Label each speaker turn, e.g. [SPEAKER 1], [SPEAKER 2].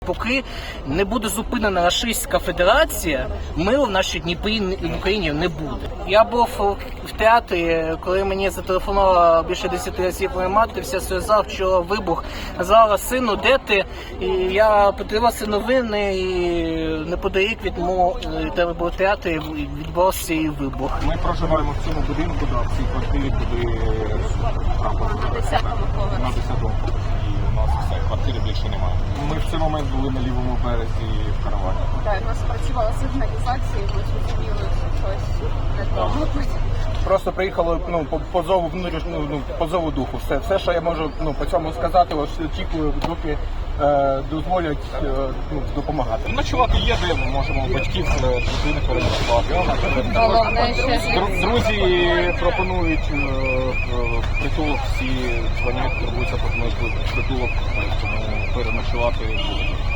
[SPEAKER 1] Поки не буде зупинена Рашистська Федерація, миру в нашій Дніпрі і в Україні не буде. Я був в театрі, коли мені зателефонувала більше 10 разів моя мати, вся сльоза, вчора вибух. Сказала: сину, де ти? І я подивилася новини, і неподалік від мого театру відбувався і вибух.
[SPEAKER 2] Ми проживаємо в цьому будинку, в цій квартирі, куди трапили.
[SPEAKER 3] На 10-му поверсі.
[SPEAKER 2] На 10-му. І у нас все, квартири більше немає. Ми в цей момент були на лівому березі в каравані.
[SPEAKER 3] Так, у нас працювала сигналізація, і ми зрозуміли, що щось не то.
[SPEAKER 2] Просто приїхало по зову по зову духу. Все, що я можу по цьому сказати, ось очікую, доки дозволять допомагати. Ночувати є, де ми можемо батьків дружини переночувати. Друзі пропонують притулок, всі дзвонять, турбуються, пропонують притулок, тому переночувати буде.